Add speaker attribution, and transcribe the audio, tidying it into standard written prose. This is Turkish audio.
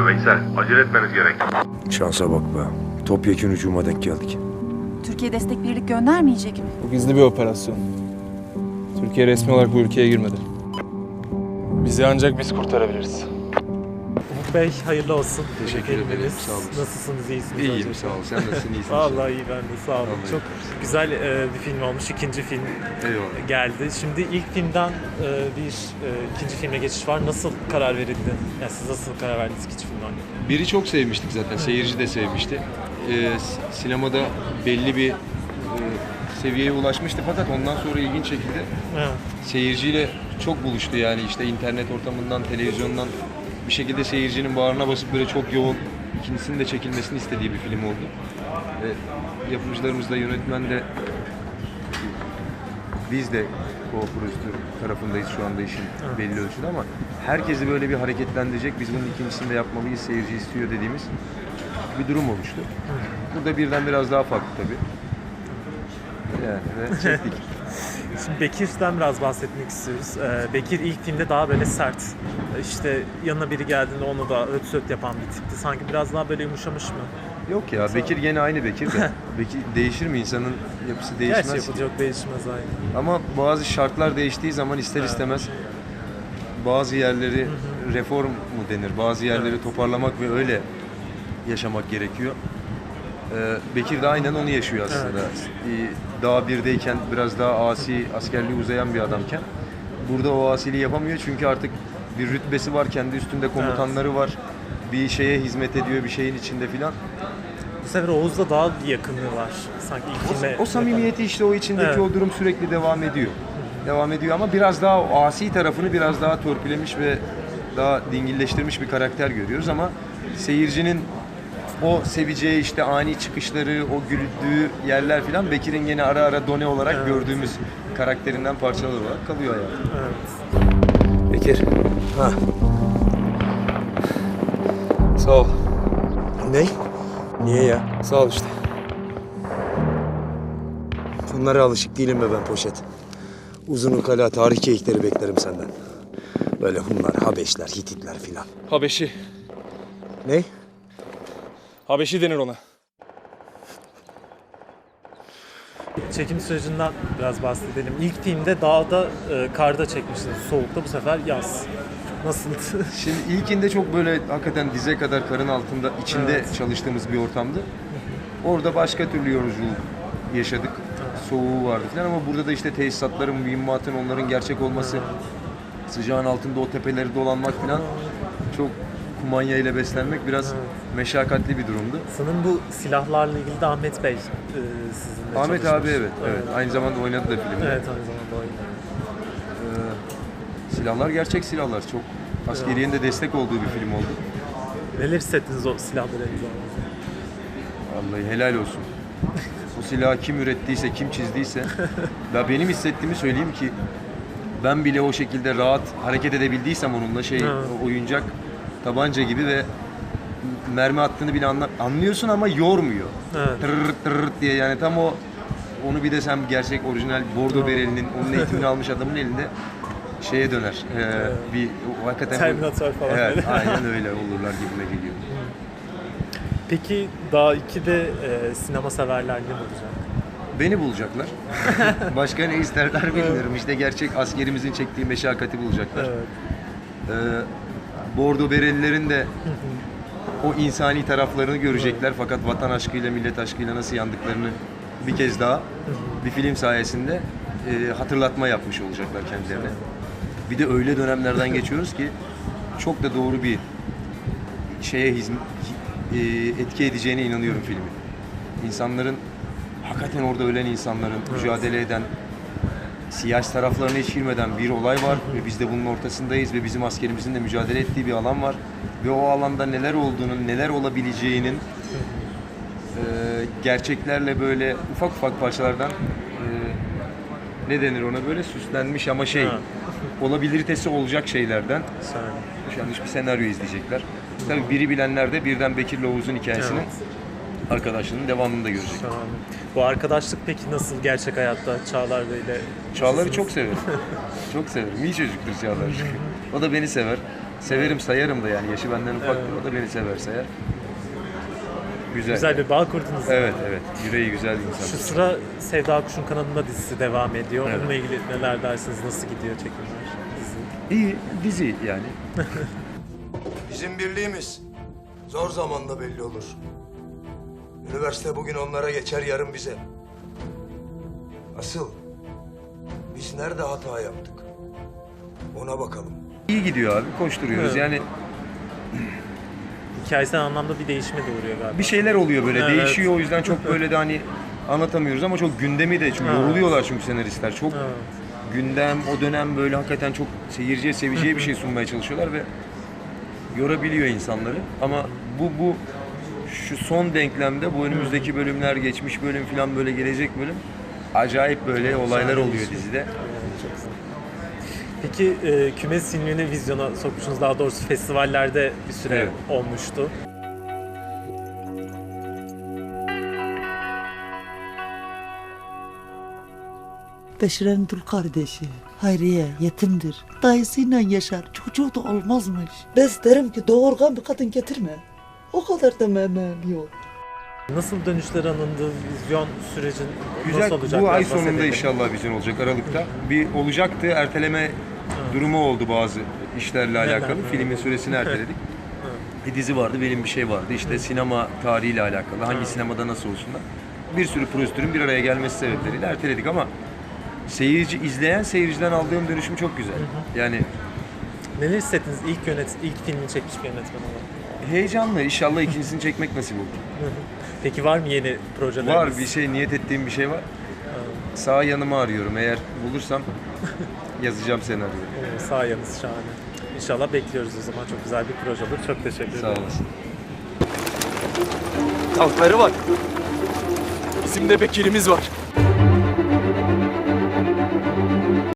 Speaker 1: Veysel. Acele etmeniz gerek.
Speaker 2: Şansa bak be. Topyekun hücuma denk geldik.
Speaker 3: Türkiye destek birlik göndermeyecek mi?
Speaker 4: Bu gizli bir operasyon. Türkiye resmi olarak bu ülkeye girmedi. Bizi ancak biz kurtarabiliriz.
Speaker 5: Umut Bey hayırlı olsun.
Speaker 6: Teşekkür ederim,
Speaker 5: Filminiz.
Speaker 6: sağ olun.
Speaker 5: Nasılsınız, iyisiniz?
Speaker 6: İyiyim,
Speaker 5: öncelikle?
Speaker 6: sağ ol. Sen nasılsın, iyisin?
Speaker 5: Vallahi iyi, ben de sağ olun.
Speaker 6: Vallahi
Speaker 5: Çok
Speaker 6: iyi.
Speaker 5: güzel bir film olmuş. İkinci film
Speaker 6: Eyvallah.
Speaker 5: geldi. Şimdi ilk filmden ikinci filme geçiş var. Nasıl karar verildi? Yani siz nasıl karar verdiniz ikinci filmden?
Speaker 6: Biri çok sevmiştik zaten, seyirci de sevmişti. Sinemada belli bir seviyeye ulaşmıştı fakat ondan sonra ilginç şekilde
Speaker 5: Evet.
Speaker 6: seyirciyle çok buluştu yani işte internet ortamından, televizyondan bir şekilde seyircinin bağrına basıp böyle çok yoğun ikincisinin de çekilmesini istediği bir film oldu. Yapımcılarımız da, yönetmen de, biz de co-prodüktör tarafındayız şu anda işin belli ölçüde ama herkesi böyle bir hareketlendirecek, biz bunun ikincisini de yapmalıyız, seyirci istiyor dediğimiz bir durum oluştu. Burada birden biraz daha farklı tabii. Yani ve çektik.
Speaker 5: Şimdi Bekir'den biraz bahsetmek istiyoruz. Bekir ilk filmde daha böyle sert. İşte yanına biri geldiğinde onu da öt söt yapan bir tipti. Sanki biraz daha böyle yumuşamış mı?
Speaker 6: Yok ya, Bekir gene aynı Bekir de. Bekir değişir mi? İnsanın yapısı değişmez
Speaker 5: Gerçi
Speaker 6: ki.
Speaker 5: yapılacak değişmez aynı.
Speaker 6: Ama bazı şartlar değiştiği zaman ister istemez bazı yerleri reform mu denir? Bazı yerleri toparlamak ve öyle yaşamak gerekiyor. Bekir de aynen onu yaşıyor aslında. Daha birdeyken biraz daha asi, askerliği uzayan bir adamken burada o asiliği yapamıyor çünkü artık bir rütbesi var, kendi üstünde komutanları var. Bir şeye hizmet ediyor, bir şeyin içinde filan.
Speaker 5: Bu sefer Oğuz'da daha bir yakınlığı var. Sanki ilk filme.
Speaker 6: O samimiyeti işte o içindeki
Speaker 5: Evet.
Speaker 6: o durum sürekli devam ediyor. Devam ediyor ama biraz daha o asi tarafını biraz daha törpülemiş ve daha dingilleştirmiş bir karakter görüyoruz ama seyircinin o seveceği işte ani çıkışları, o güldüğü yerler filan Bekir'in yine ara ara done olarak gördüğümüz karakterinden parçalar olarak kalıyor hayatım.
Speaker 5: Evet.
Speaker 2: Bekir. Ha.
Speaker 4: Sağ ol.
Speaker 2: Ne? Niye ya?
Speaker 4: Sağ ol işte.
Speaker 2: Bunlara alışık değilim be ben poşet. Uzun ukala tarih keyikleri beklerim senden. Böyle Hunlar, Habeşler, Hititler filan.
Speaker 4: Habeşi.
Speaker 2: Ne?
Speaker 4: Habeşi denir ona.
Speaker 5: Çekim sürecinden biraz bahsedelim. İlk filmde dağda, karda çekmiştiniz. Soğukta, bu sefer yaz. Nasıldı?
Speaker 6: Şimdi ilkinde çok böyle hakikaten dize kadar karın altında içinde çalıştığımız bir ortamdı. Orada başka türlü yoruculuk yaşadık. Soğuğu vardı falan ama burada da işte tesisatların, mühimmatın, onların gerçek olması, sıcağın altında o tepeleri dolanmak falan çok kumanya ile beslenmek biraz meşakkatli bir durumdu.
Speaker 5: Sanırım bu silahlarla ilgili de Ahmet Bey sizinle
Speaker 6: Ahmet
Speaker 5: çalışmış.
Speaker 6: abi evet. Aynı zamanda oynadı da filmde.
Speaker 5: Evet, aynı zamanda oynadı.
Speaker 6: Silahlar gerçek silahlar. Çok askeriyenin de destek olduğu bir film oldu.
Speaker 5: Neler hissettiniz o silahları elinizde?
Speaker 6: Vallahi helal olsun. O silahı kim ürettiyse, kim çizdiyse. Ya benim hissettiğimi söyleyeyim ki ben bile o şekilde rahat hareket edebildiysem onunla oyuncak tabanca gibi ve mermi attığını bile anlıyorsun ama yormuyor.
Speaker 5: Evet.
Speaker 6: Tırırt tırırt diye yani tam onu bir de sen gerçek orijinal bordo berelinin onun eğitimini almış adamın elinde şeye döner. Bir hakikaten
Speaker 5: Terminator falan
Speaker 6: evet,
Speaker 5: böyle.
Speaker 6: aynen öyle olurlar gibime geliyor.
Speaker 5: Peki daha 2'de sinema severler ne olacak?
Speaker 6: Beni bulacaklar. Başka ne isterler bilmiyorum. İşte gerçek askerimizin çektiği meşakkati bulacaklar.
Speaker 5: Evet.
Speaker 6: Bordo berelilerin de o insani taraflarını görecekler. Fakat vatan aşkıyla, millet aşkıyla nasıl yandıklarını bir kez daha bir film sayesinde hatırlatma yapmış olacaklar kendilerine. Bir de öyle dönemlerden geçiyoruz ki çok da doğru bir şeye etki edeceğine inanıyorum filmin. İnsanların, hakikaten orada ölen insanların, mücadele eden, siyasi taraflarına hiç girmeden bir olay var ve biz de bunun ortasındayız ve bizim askerimizin de mücadele ettiği bir alan var ve o alanda neler olduğunun, neler olabileceğinin gerçeklerle böyle ufak ufak parçalardan ne denir ona böyle süslenmiş ama olabiliritesi olacak şeylerden yaşanmış bir senaryo izleyecekler. Tabii biri bilenler de birden Bekir'le Oğuz'un hikayesinin arkadaşlığının devamını da görecek.
Speaker 5: Şahane. Bu arkadaşlık peki nasıl gerçek hayatta Çağlar Bey'le?
Speaker 6: Çağlar'ı çok severim. Çok severim. İyi çocuktur Çağlar. O da beni sever. Severim sayarım da yani. Yaşı benden ufaktır. O da beni sever sayar. Güzel.
Speaker 5: Güzel bir bağ kurdunuz.
Speaker 6: Evet evet. Yüreği güzel bir insan.
Speaker 5: Şu sıra Sevda Kuş'un kanalında dizisi devam ediyor.
Speaker 6: Evet.
Speaker 5: Onunla ilgili neler dersiniz? Nasıl gidiyor çekimler? Dizi.
Speaker 6: İyi dizi yani.
Speaker 1: Bizim birliğimiz zor zamanda belli olur. Üniversite bugün onlara geçer, yarın bize. Asıl biz nerede hata yaptık? Ona bakalım.
Speaker 6: İyi gidiyor abi. Koşturuyoruz.
Speaker 5: Evet.
Speaker 6: Yani
Speaker 5: Hikayesel anlamda bir değişime de uğruyor galiba.
Speaker 6: bir şeyler oluyor böyle.
Speaker 5: Evet.
Speaker 6: Değişiyor. O yüzden çok böyle de hani anlatamıyoruz ama çok gündemi de çünkü
Speaker 5: Evet.
Speaker 6: yoruluyorlar çünkü senaristler. Çok
Speaker 5: Evet.
Speaker 6: gündem o dönem böyle hakikaten çok seyirciye seveceği bir şey sunmaya çalışıyorlar ve yorabiliyor insanları. Ama bu şu son denklemde bu önümüzdeki bölümler, geçmiş bölüm falan böyle gelecek bölüm acayip böyle olaylar oluyor dizide.
Speaker 5: Çok güzel. Peki Kümes filmini vizyona sokmuşsunuz. Daha doğrusu festivallerde bir süre
Speaker 6: Evet.
Speaker 5: olmuştu.
Speaker 7: Beşir'in dul kardeşi Hayriye yetimdir. Dayısıyla yaşar. Çocuğu da olmazmış. Ben derim ki doğurgan bir kadın getirme. O kadar da memem yok.
Speaker 5: Nasıl dönüşler alındı? Vizyon sürecin
Speaker 6: Güzel.
Speaker 5: nasıl olacak?
Speaker 6: Bu ay
Speaker 5: Biraz
Speaker 6: sonunda
Speaker 5: bahsedelim.
Speaker 6: inşallah vizyon olacak Aralık'ta. Bir olacaktı. Erteleme durumu oldu bazı işlerle alakalı.
Speaker 5: Evet.
Speaker 6: Filmin süresini erteledik. Bir dizi vardı, benim bir şey vardı. İşte sinema tarihiyle alakalı. Hangi sinemada nasıl olsunlar. Bir sürü prosedürün bir araya gelmesi sebepleriyle erteledik ama izleyen seyirciden aldığım dönüşüm çok güzel. Yani
Speaker 5: Neler hissettiniz ilk filmini çekmiş bir yönetmen olarak?
Speaker 6: heyecanlı. İnşallah ikincisini çekmek nasip olur.
Speaker 5: Peki var mı yeni projeleriniz?
Speaker 6: Var bir şey, niyet ettiğim bir şey var. Sağ yanımı arıyorum. Eğer bulursam yazacağım senaryoyu.
Speaker 5: Sağ yanınız şahane. İnşallah bekliyoruz o zaman. Çok güzel bir proje olur. Çok teşekkür ederim.
Speaker 6: Sağ olasın.
Speaker 4: Tankları var. Bizim de Bekir'imiz var.